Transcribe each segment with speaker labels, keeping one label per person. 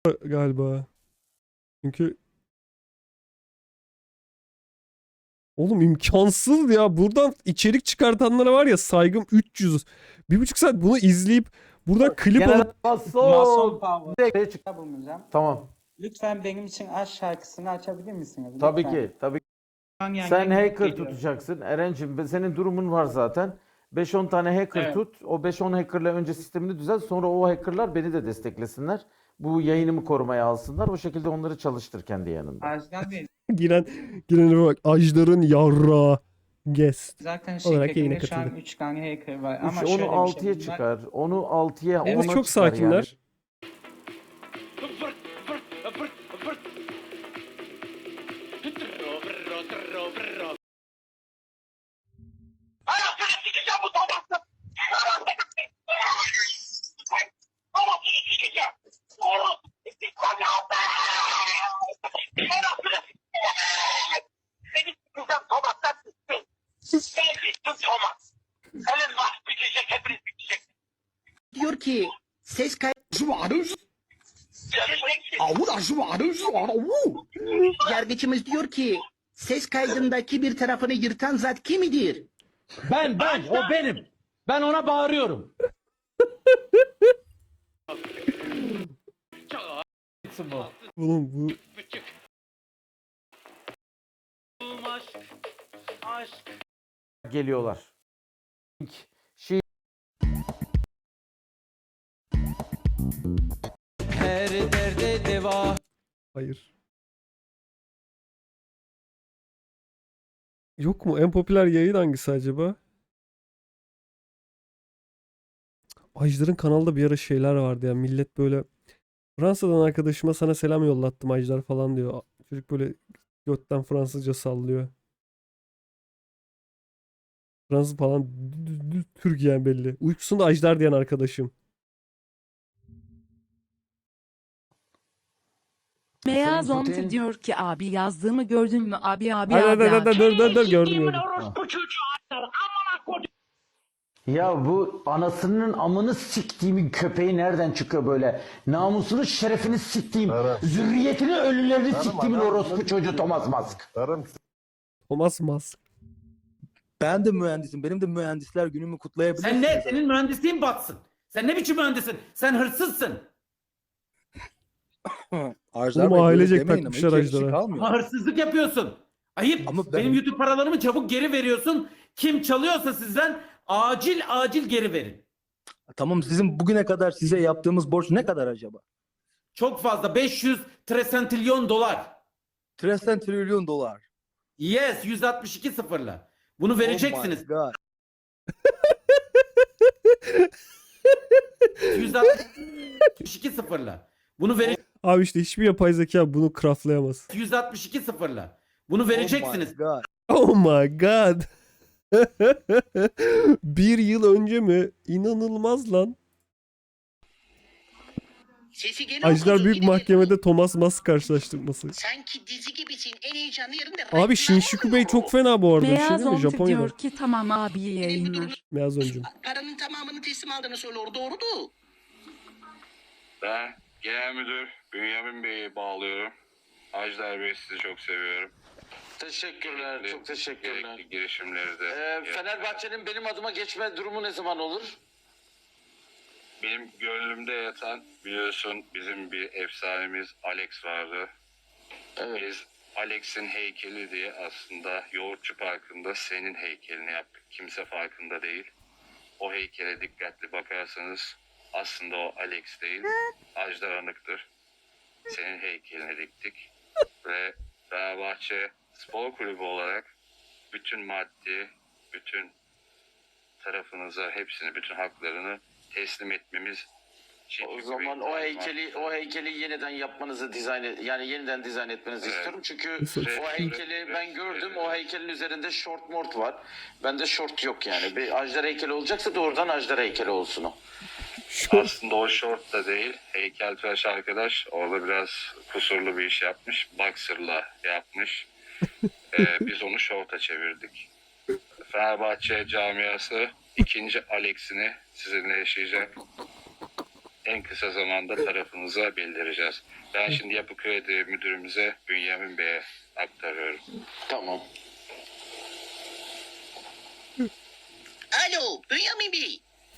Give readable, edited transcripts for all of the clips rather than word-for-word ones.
Speaker 1: galiba. Çünkü oğlum imkansız ya. Buradan içerik çıkartanlara var ya saygım 300. 1,5 saat bunu izleyip buradan klip alıp
Speaker 2: Mason Power. Bulunacağım.
Speaker 3: Tamam.
Speaker 2: Lütfen benim için aşk şarkısını açabilir misiniz?
Speaker 3: Tabii
Speaker 2: Lütfen.
Speaker 3: ki. Tabii ki.
Speaker 2: Yani
Speaker 3: Sen hacker
Speaker 2: geliyorum.
Speaker 3: tutacaksın. Erencim senin durumun var zaten. 5-10 tane hacker
Speaker 2: Evet.
Speaker 3: tut. O 5-10 hackerla önce sistemini düzelt. Sonra o hackerlar beni de desteklesinler. Bu yayınımı korumaya alsınlar. O şekilde onları çalıştır kendi yanında.
Speaker 2: Ajdar Bey
Speaker 1: girene bak. Ajdar'ın yarra guest.
Speaker 2: zaten
Speaker 1: Olarak yayına
Speaker 2: şirketimde şu an
Speaker 1: katıldı.
Speaker 2: 3 tane hacker var. Ama
Speaker 3: Onu
Speaker 2: şöyle bir
Speaker 3: 6'ya
Speaker 2: şey. Bunlar
Speaker 3: çıkar. Onu 6'ya
Speaker 2: Evet.
Speaker 1: Ama
Speaker 3: 10'a
Speaker 1: çok
Speaker 3: çıkar yani.
Speaker 1: sakinler.
Speaker 4: Diyor ki ses kaydı yargıcımız diyor ki ses kaydındaki bir tarafını yırtan zat kimidir?
Speaker 5: Ben, o benim. Ben ona bağırıyorum.
Speaker 1: Oğlum bu
Speaker 3: Geliyorlar. Şey
Speaker 5: Her derde deva.
Speaker 1: hayır. Yok mu? En popüler yayın hangisi acaba? Ajdar'ın kanalda bir ara şeyler vardı ya. Millet böyle Fransa'dan arkadaşıma sana selam yollattım Ajdar falan diyor. Çocuk böyle götten Fransızca sallıyor. Fransız falan Türk yani belli. Uykusunda Ajdar diyen arkadaşım.
Speaker 6: Beyaz
Speaker 3: Sayın
Speaker 6: Omti
Speaker 3: Putin-
Speaker 6: diyor ki abi yazdığımı gördün mü abi
Speaker 1: Hadi dur gördüm.
Speaker 3: Ya bu anasının amını siktiğimin köpeği nereden çıkıyor böyle? Namusunu, şerefini siktiğim, zürriyetini, ölülerini siktiğimin orospu çocuğu Thomas Musk.
Speaker 1: Thomas Musk.
Speaker 7: Ben de mühendisim. Benim de mühendisler günümü kutlayabilirsiniz.
Speaker 5: Sen ne? Senin mühendisliğin batsın. Sen ne biçim mühendisin? Sen hırsızsın.
Speaker 7: Ajdar
Speaker 1: Oğlum
Speaker 7: Bey, böyle
Speaker 1: ailecek
Speaker 7: demeyin ama
Speaker 1: takmışlar
Speaker 7: hiç yakışık
Speaker 1: Ajdar'a.
Speaker 7: almıyor.
Speaker 5: Ama hırsızlık yapıyorsun. Ayıp.
Speaker 7: Ama ben-
Speaker 5: Benim YouTube paralarımı çabuk geri veriyorsun. Kim çalıyorsa sizden acil geri verin.
Speaker 7: Tamam, sizin bugüne kadar size yaptığımız borç ne kadar acaba?
Speaker 5: Çok fazla. 500 trilyon dolar.
Speaker 7: 3 trilyon dolar.
Speaker 5: Yes, 162 sıfırla. Bunu
Speaker 7: Oh
Speaker 5: vereceksiniz.
Speaker 7: my God.
Speaker 5: 162 sıfırla. Bunu
Speaker 1: Abi işte hiçbir yapay zeka bunu craftlayamaz.
Speaker 5: 162 sıfırla. Bunu
Speaker 7: Oh
Speaker 5: vereceksiniz.
Speaker 7: my God.
Speaker 1: Oh my god. Bir yıl önce mi? İnanılmaz lan.
Speaker 4: Sesi gene
Speaker 1: Ajdar
Speaker 4: okudu.
Speaker 1: Büyük
Speaker 4: Yine
Speaker 1: Mahkeme'de Thomas Musk karşılaştırması.
Speaker 4: sanki dizi gibisin. En heyecanlı yerinde.
Speaker 1: Abi Shinjuku Bey çok fena bu arada. Bir şey
Speaker 6: Beyaz
Speaker 1: değil mi?
Speaker 6: Omti
Speaker 1: Japonya'da.
Speaker 6: diyor ki tamam abi iyi yayınlar.
Speaker 1: Beyaz öncüm.
Speaker 4: Paranın tamamını teslim aldığını söylüyor. Doğrudu.
Speaker 8: Ben genel müdür Bünyamin Bey'i bağlıyorum. Ajdar Bey sizi çok seviyorum.
Speaker 9: Teşekkürler,
Speaker 8: Gerekli-
Speaker 9: çok teşekkürler.
Speaker 8: Gerekli girişimleri de.
Speaker 9: Fenerbahçe'nin benim adıma geçme durumu ne zaman olur?
Speaker 8: Benim gönlümde yatan biliyorsun bizim bir efsanemiz Alex vardı.
Speaker 9: Evet.
Speaker 8: Biz Alex'in heykeli diye aslında Yoğurtçu Parkı'nda senin heykelini yaptık. Kimse farkında değil. O heykele dikkatli bakarsanız aslında o Alex değil, Ajdar Anık'tır. Senin heykelini diktik ve Fenerbahçe Spor Kulübü olarak bütün maddi, bütün tarafınıza hepsini, bütün haklarını teslim etmemiz için
Speaker 9: O
Speaker 8: bir
Speaker 9: zaman
Speaker 8: bir
Speaker 9: o heykeli yeniden yapmanızı yeniden dizayn etmenizi
Speaker 8: Evet.
Speaker 9: istiyorum. Çünkü
Speaker 1: Nasıl?
Speaker 9: o heykeli ben gördüm. O heykelin üzerinde short mort var. Bende short yok yani. Bir Ajdar heykeli olacaksa doğrudan Ajdar heykeli olsun o.
Speaker 8: Aslında o short da değil. Heykeltıraş arkadaş orada biraz kusurlu bir iş yapmış. Boxer'la yapmış. Biz onu short'a çevirdik. Fenerbahçe camiası ikinci Alex'ini sizinle yaşayacak. en kısa zamanda tarafınıza bildireceğiz. Ben şimdi Yapı Kredi müdürümüze Bünyamin Bey'e aktarıyorum.
Speaker 9: Tamam.
Speaker 4: Alo Bünyamin Bey.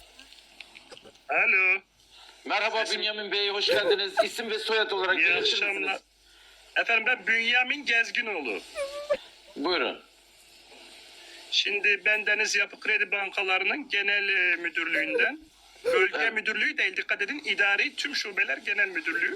Speaker 8: Alo.
Speaker 9: Merhaba Bünyamin Bey, hoş geldiniz. İsim ve soyad olarak
Speaker 8: İyi
Speaker 9: belirtir
Speaker 8: akşamlar.
Speaker 9: misiniz?
Speaker 8: Efendim ben Bünyamin Gezginoğlu.
Speaker 9: Buyurun.
Speaker 8: Şimdi ben Deniz Yapı Kredi Bankalarının genel müdürlüğünden, bölge müdürlüğü değil, dikkat edin, idari tüm şubeler genel müdürlüğü.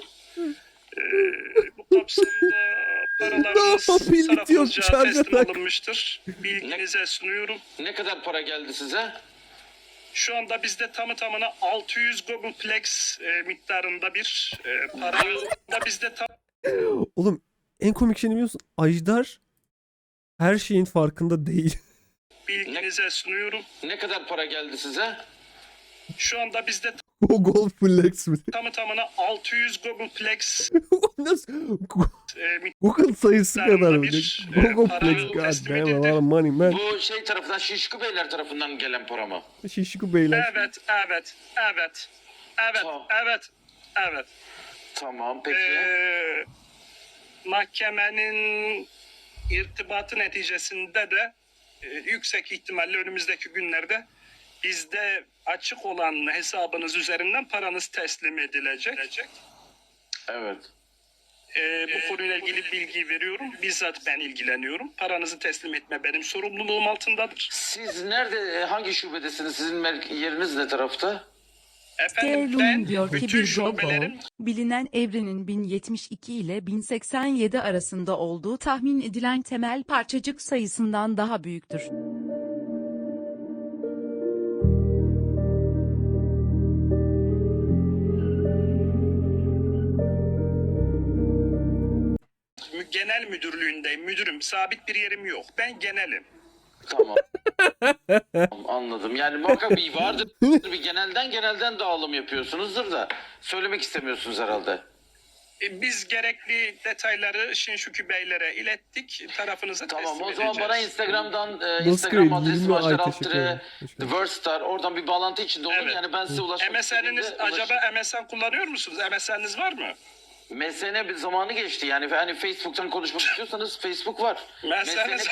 Speaker 8: Bu kapsamda paralarımız
Speaker 1: Birlikte yok,
Speaker 8: tarafımızca
Speaker 1: şarja
Speaker 8: teslim
Speaker 1: tak.
Speaker 8: alınmıştır. Bilginize sunuyorum.
Speaker 9: Ne kadar para geldi size?
Speaker 8: Şu anda bizde tamı tamına 600 Googleplex miktarında bir para da bizde
Speaker 1: Oğlum en komik şey ne biliyor musun? Ajdar her şeyin farkında değil.
Speaker 8: bilginize sunuyorum.
Speaker 9: Ne kadar para geldi size?
Speaker 8: Şu anda bizde
Speaker 1: O Gold Flex mi?
Speaker 8: tamı tamına 600 Googleplex
Speaker 1: Nasıl?
Speaker 8: miktarında
Speaker 1: Google sayısı kadar mı?
Speaker 8: bir,
Speaker 1: Google
Speaker 8: para
Speaker 1: Flex. God
Speaker 8: teslim
Speaker 1: damn, a
Speaker 8: edildi.
Speaker 1: lot of money man.
Speaker 9: Bu şey tarafından, Şişko Beyler tarafından gelen para mı?
Speaker 1: Şişko beyler.
Speaker 8: Evet.
Speaker 9: Tamam.
Speaker 8: Evet.
Speaker 9: Tamam, peki.
Speaker 8: Mahkemenin irtibatı neticesinde de yüksek ihtimalle önümüzdeki günlerde bizde açık olan hesabınız üzerinden paranız teslim edilecek.
Speaker 9: Evet.
Speaker 8: Bu konuyla ilgili bilgi veriyorum. Bizzat ben ilgileniyorum. Paranızı teslim etme benim sorumluluğum altındadır.
Speaker 9: Siz nerede, hangi şubedesiniz? Sizin yeriniz ne tarafta?
Speaker 8: Efendim ben
Speaker 6: Sterling diyor ki
Speaker 8: bütün
Speaker 6: bir
Speaker 8: şubelerin
Speaker 6: Gogo, bilinen evrenin 1072 ile 1087 arasında olduğu tahmin edilen temel parçacık sayısından daha büyüktür.
Speaker 8: genel müdürlüğündeyim. Müdürüm, sabit bir yerim yok. Ben genelim.
Speaker 9: Tamam. Tamam, anladım. Yani muhakkak bir vardır. Bir genelden dağılım yapıyorsunuzdur da söylemek istemiyorsunuz herhalde.
Speaker 8: Biz gerekli detayları Şinşuki Beylere ilettik. Tarafınıza
Speaker 9: Tamam,
Speaker 8: teslim
Speaker 9: o zaman
Speaker 8: edeceğiz.
Speaker 9: bana Instagram'dan
Speaker 1: Nasıl
Speaker 9: Instagram
Speaker 1: kayıt?
Speaker 9: adresim
Speaker 1: 20 ay
Speaker 9: Ajdar
Speaker 1: teşekkür ederim.
Speaker 9: Altıre
Speaker 1: Teşekkür
Speaker 9: The
Speaker 1: ederim.
Speaker 9: Wordstar. Oradan bir bağlantı içinde olun.
Speaker 8: Evet.
Speaker 9: Yani ben size ulaşmak
Speaker 8: MSN'iniz
Speaker 9: istediğimde
Speaker 8: acaba MSN kullanıyor musunuz? MSN'iniz var mı?
Speaker 9: MSN bir zamanı geçti. Yani hani Facebook'tan konuşmak istiyorsanız Facebook var.
Speaker 8: MSN'iniz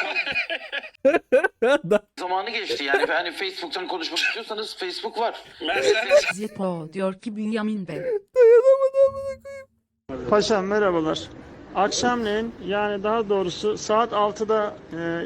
Speaker 9: Zamanı geçti. Yani hani Facebook'tan konuşmak istiyorsanız Facebook var.
Speaker 8: MSN'iniz
Speaker 6: Zippo diyor ki Bünyamin Bey.
Speaker 10: Paşam merhabalar. Akşamleyin yani daha doğrusu saat 6'da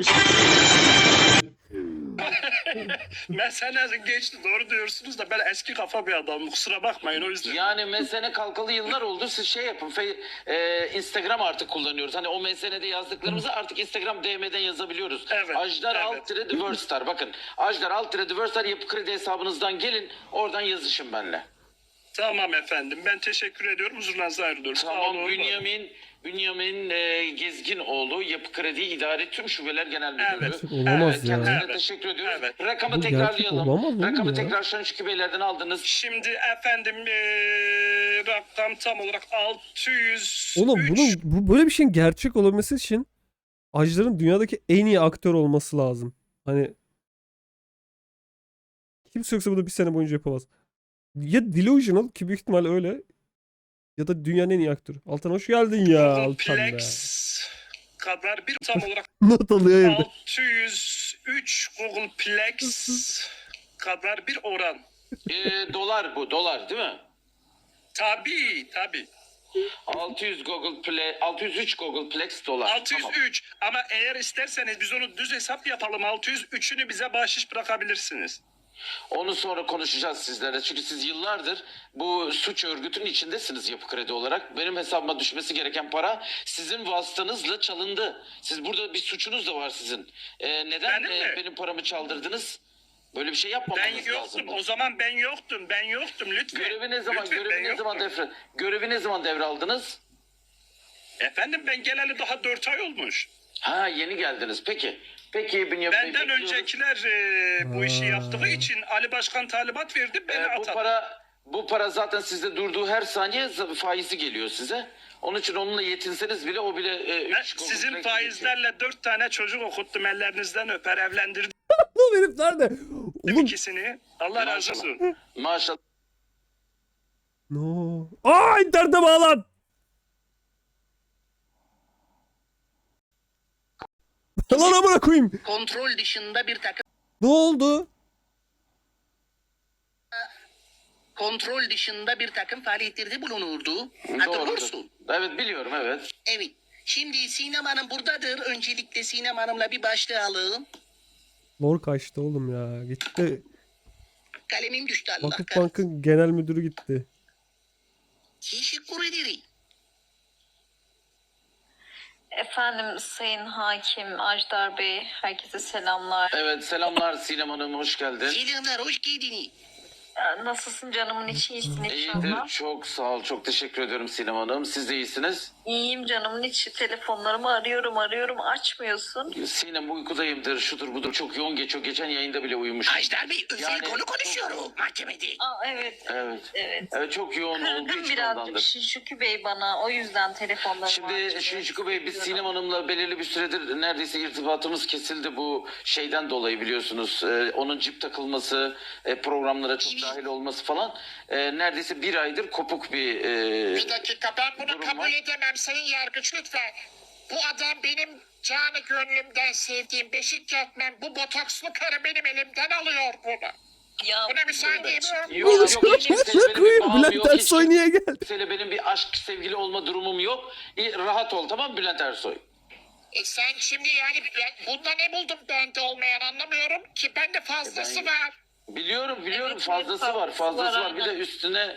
Speaker 8: MSN'iniz geçti. Doğru diyorsunuz da ben eski kafa bir adamım. Kusura bakmayın o yüzden.
Speaker 9: Yani MSN kalkalı yıllar oldu. Siz şey yapın. Instagram artık kullanıyoruz. Hani o MSN'de yazdıklarımızı artık Instagram DM'den yazabiliyoruz.
Speaker 8: Evet,
Speaker 9: Ajdar
Speaker 8: evet.
Speaker 9: Altıre The Wordstar. Bakın. Ajdar Altıre The Wordstar Yapı Kredi hesabınızdan gelin. Oradan yazışın benimle.
Speaker 8: Tamam efendim. Ben teşekkür ediyorum. Huzurlarınıza ayrılıyorum. Sağ
Speaker 9: Tamam,
Speaker 8: olun.
Speaker 9: Bünyamin Gezginoğlu, Yapı Kredi İdari Tüm Şubeler Genel Müdürü.
Speaker 8: Evet.
Speaker 1: Olamaz ya.
Speaker 9: Kendisine
Speaker 8: Evet.
Speaker 9: teşekkür ediyoruz.
Speaker 8: Evet.
Speaker 9: Rakamı
Speaker 1: Bu gerçek
Speaker 9: tekrarlayalım.
Speaker 1: olamaz oğlum
Speaker 9: Rakamı
Speaker 1: ya.
Speaker 9: tekrar Şanşıkı Beyler'den aldınız.
Speaker 8: Şimdi efendim rakam tam olarak 603.
Speaker 1: Oğlum bu böyle bir şeyin gerçek olabilmesi için Ajdar'ın dünyadaki en iyi aktör olması lazım. Hani kimse yoksa bunu bir sene boyunca yapamaz. Ya Delusional ki büyük ihtimal öyle ya da dünyanın en iyi aktörü. Altan hoş geldin ya Altan be.
Speaker 8: Googleplex kadar bir tam olarak
Speaker 1: Not alıyor evde.
Speaker 8: 603 Googleplex kadar bir oran.
Speaker 9: Dolar bu, dolar değil mi?
Speaker 8: Tabii.
Speaker 9: 603 Googleplex dolar.
Speaker 8: 603 ama eğer isterseniz biz onu düz hesap yapalım. 603'ünü bize bahşiş bırakabilirsiniz.
Speaker 9: Onu sonra konuşacağız sizlerle. Çünkü siz yıllardır bu suç örgütünün içindesiniz Yapı Kredi olarak. Benim hesabıma düşmesi gereken para sizin vasıtanızla çalındı. Siz burada bir suçunuz da var sizin. Neden
Speaker 8: Benim mi?
Speaker 9: benim paramı çaldırdınız? Böyle bir şey
Speaker 8: Ben
Speaker 9: yapmamanız
Speaker 8: yoktum.
Speaker 9: lazımdı.
Speaker 8: O zaman ben yoktum. Lütfen.
Speaker 9: Görevi ne zaman
Speaker 8: Lütfen, ben yoktum.
Speaker 9: görevi ne zaman devraldınız?
Speaker 8: Efendim ben geleli daha 4 ay olmuş.
Speaker 9: Ha, yeni geldiniz. Peki Bünyamin Bey,
Speaker 8: Benden
Speaker 9: bekliyoruz.
Speaker 8: öncekiler bu işi yaptığı için Ali Başkan talimat verdi. Beni atadı.
Speaker 9: Bu para zaten sizde durduğu her saniye faizi geliyor size. Onun için onunla yetinseniz bile o bile
Speaker 8: Ben sizin faizlerle 4 tane çocuk okuttum, ellerinizden öper, evlendirdim
Speaker 1: Lan herif nerede? Oğlum
Speaker 8: ikisini. Allah razı olsun.
Speaker 9: Maşallah.
Speaker 1: No. Aa, internete bağlan. Lan amına koyayım.
Speaker 4: Kontrol dışında bir takım
Speaker 1: Ne oldu?
Speaker 4: kontrol dışında bir takım faaliyetlerde bulunurdu. Hatırlıyor
Speaker 9: Doğrudur.
Speaker 4: musun?
Speaker 9: Evet biliyorum evet.
Speaker 4: Evet. Şimdi Sinem Hanım buradadır. Öncelikle Sinem Hanım'la bir başlayalım.
Speaker 1: Lor kaçtı oğlum ya. Gitti.
Speaker 4: Kalemim düştü Allah
Speaker 1: Vakıf
Speaker 4: kahretsin.
Speaker 1: Bank'ın genel müdürü gitti.
Speaker 4: Teşekkür ederim.
Speaker 11: Efendim Sayın Hakim Ajdar Bey, herkese selamlar.
Speaker 9: Evet selamlar Sinem Hanım hoş geldin.
Speaker 4: Selamlar, hoş geldiniz.
Speaker 11: Nasılsın canımın içi, iyisin
Speaker 9: İyidir
Speaker 11: inşallah?
Speaker 9: çok sağ ol çok teşekkür ediyorum Sinem Hanım. Siz de iyisiniz.
Speaker 11: İyiyim canımın içi, telefonlarımı arıyorum açmıyorsun.
Speaker 9: Sinem uykudayımdır şudur budur çok yoğun geçiyor. Geçen yayında bile uyumuşum.
Speaker 4: Ajdar Bey, özel
Speaker 9: Yani-
Speaker 4: konu konuşuyorum mahkemede.
Speaker 11: Aa evet,
Speaker 9: Evet.
Speaker 11: evet.
Speaker 9: Evet çok yoğun olduğu
Speaker 11: Kırgın
Speaker 9: için
Speaker 11: birazcık
Speaker 9: ondandır.
Speaker 11: Şişuki Bey bana, o yüzden telefonlarımı
Speaker 9: Şimdi
Speaker 11: açmıyor.
Speaker 9: Şinşiko Bey biz Sinem Hanım'la belirli bir süredir neredeyse irtibatımız kesildi bu şeyden dolayı biliyorsunuz. Onun cip takılması, programlara çok dahil olması falan. Neredeyse bir aydır kopuk bir
Speaker 4: Bir dakika, ben bunu
Speaker 9: durum
Speaker 4: kabul
Speaker 9: var.
Speaker 4: edemem Sayın Yargıç lütfen. Bu adam benim canı gönlümden sevdiğim Beşiktaş'tan, bu botokslu karı benim elimden alıyor bunu.
Speaker 11: Ya,
Speaker 4: Buna müsaade etmiyorum.
Speaker 9: Yok hiç kimseyle benim bir bağım
Speaker 1: Bülent
Speaker 9: yok. Hiç
Speaker 1: Ersoy niye geldi?
Speaker 9: kimseyle benim bir aşk sevgili olma durumum yok. Rahat ol tamam mı Bülent Ersoy?
Speaker 4: Sen şimdi yani bunda ne buldun bende olmayan anlamıyorum ki, bende fazlası
Speaker 9: Ben-
Speaker 4: var.
Speaker 9: Biliyorum
Speaker 11: Evet,
Speaker 9: fazlası var
Speaker 11: fazlası
Speaker 9: fazlası
Speaker 11: var,
Speaker 9: var. Bir de
Speaker 11: aynen.
Speaker 9: üstüne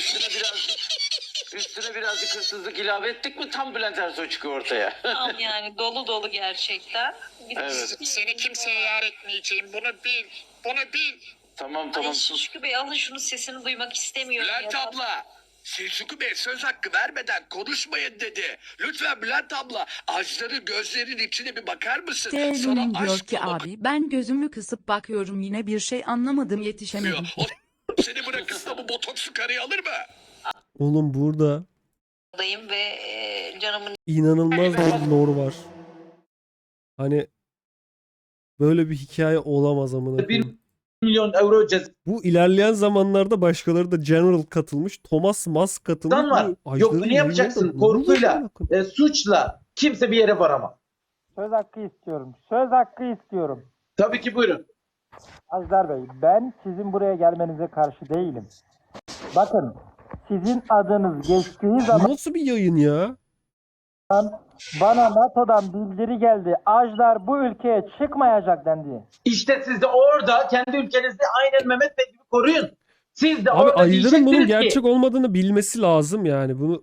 Speaker 9: birazcık hırsızlık ilave ettik mi tam Bülent Ersoy çıkıyor ortaya.
Speaker 11: Tam yani dolu gerçekten.
Speaker 9: Evet.
Speaker 4: Seni kimseye yar etmeyeceğim, bunu bil. Bunu bil.
Speaker 9: Tamam
Speaker 11: Ay
Speaker 9: sus.
Speaker 11: Şişki Bey alın şunu, sesini duymak istemiyorum. ya.
Speaker 4: abla, Selçuk Bey söz hakkı vermeden konuşmayın dedi. Lütfen Bülent abla, Ajdar'ın gözlerinin içine bir bakar mısın?
Speaker 6: Devrimin diyor ki abi ben gözümü kısıp bakıyorum yine bir şey anlamadım yetişemedim.
Speaker 4: Seni bırakırsa bu botokslu karıyı alır mı?
Speaker 1: Oğlum burada
Speaker 11: Dayım ve canımın
Speaker 1: inanılmaz bir lore var. Hani böyle bir hikaye olamaz amına koyayım.
Speaker 5: milyon euro ceza
Speaker 1: Bu ilerleyen zamanlarda başkaları da General katılmış. Thomas Musk katılmış.
Speaker 5: var.
Speaker 1: Bu
Speaker 5: Yok
Speaker 1: Ajdar'ın
Speaker 5: ne yapacaksın?
Speaker 1: yayınında ne oluyor
Speaker 5: Korkuyla,
Speaker 1: amına koyayım?
Speaker 5: suçla kimse bir yere varamaz.
Speaker 10: Söz hakkı istiyorum. Söz hakkı istiyorum.
Speaker 5: Tabii ki buyurun.
Speaker 10: Ajdar Bey, ben sizin buraya gelmenize karşı değilim. Bakın, sizin adınız geçtiği zaman
Speaker 1: Nasıl bir yayın ya?
Speaker 10: bana NATO'dan bildiri geldi. Ajdar bu ülkeye çıkmayacak dendi.
Speaker 5: İşte siz de orada kendi ülkenizi aynen Mehmet Bey gibi koruyun. Siz de
Speaker 1: Abi
Speaker 5: orada
Speaker 1: Ajdar'ın bunun
Speaker 5: diyeceksiniz ki
Speaker 1: gerçek olmadığını bilmesi lazım yani. Bunu